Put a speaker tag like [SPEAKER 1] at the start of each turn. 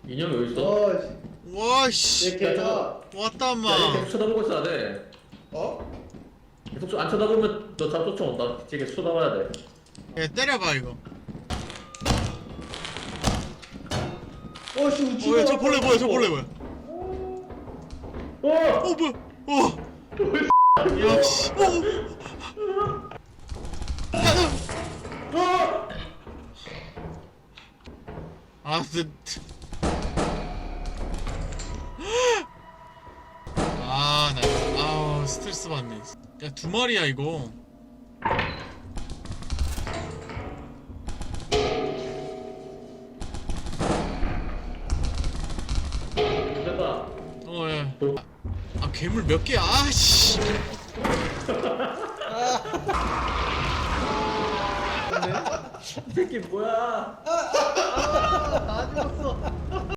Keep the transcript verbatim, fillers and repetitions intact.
[SPEAKER 1] 인형이 어디 있어?
[SPEAKER 2] 어, 씨.
[SPEAKER 3] 와씨
[SPEAKER 2] 얘 걔가
[SPEAKER 3] 왔다
[SPEAKER 1] 야, 얘
[SPEAKER 3] 마.
[SPEAKER 1] 계속 쳐다보고 있어야 돼.
[SPEAKER 2] 어?
[SPEAKER 1] 계속 안 쳐다보면 너 잡 쫓아온다. 뒤에 계속 쳐다봐야 돼.
[SPEAKER 3] 얘 때려봐 이거.
[SPEAKER 2] 어, 씨, 우측.
[SPEAKER 3] 어야 저 벌레 뭐야 저 벌레 뭐야.
[SPEAKER 1] 어!
[SPEAKER 3] 어 뭐야. 어. 역시. 어. 야, 너.
[SPEAKER 1] 어!
[SPEAKER 3] 아 근데. 아, 나, 아우, 스트레스 받네. 야, 두 마리야, 이거.
[SPEAKER 1] 됐다.
[SPEAKER 3] 어, 예. 아, 아, 괴물 몇 개야? 아, 씨.
[SPEAKER 1] 이 새끼 뭐야?
[SPEAKER 2] 아, 죽었어.